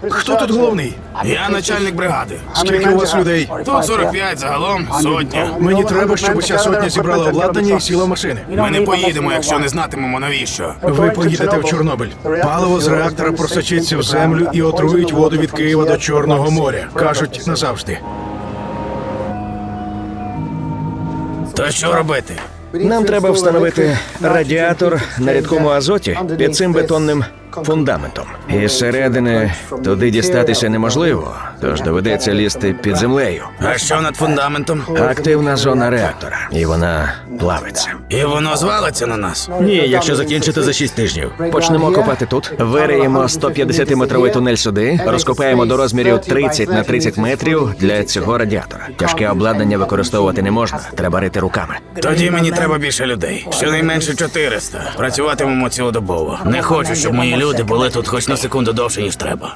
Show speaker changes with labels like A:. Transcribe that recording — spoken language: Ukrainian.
A: Хто тут головний?
B: Я начальник бригади.
A: Скільки у вас людей?
B: Тут 45, загалом сотня.
A: Мені треба, щоб уся сотня зібрала обладнання і сіла в машини.
B: Ми не поїдемо, якщо не знатимемо навіщо.
A: Ви поїдете в Чорнобиль. Паливо з реактора просочиться в землю і отруїть воду від Києва до Чорного моря. Кажуть, назавжди.
B: То що робити?
C: Нам треба встановити радіатор на рідкому азоті під цим бетонним фундаментом. І зсередини туди дістатися неможливо, тож доведеться лізти під землею.
B: А що над фундаментом?
C: Активна зона реактора, і вона плавиться.
B: І воно звалиться на нас.
C: Ні, якщо закінчити за 6 тижнів. Почнемо копати тут, вириємо 150-метровий тунель сюди, розкопаємо до розмірів 30 на 30 метрів для цього радіатора. Тяжке обладнання використовувати не можна, треба рити руками.
B: Тоді мені треба більше людей. Щонайменше 400. Працюватимемо цілодобово. Не хочу, щоб мої люди були тут хоч на секунду довше, ніж треба.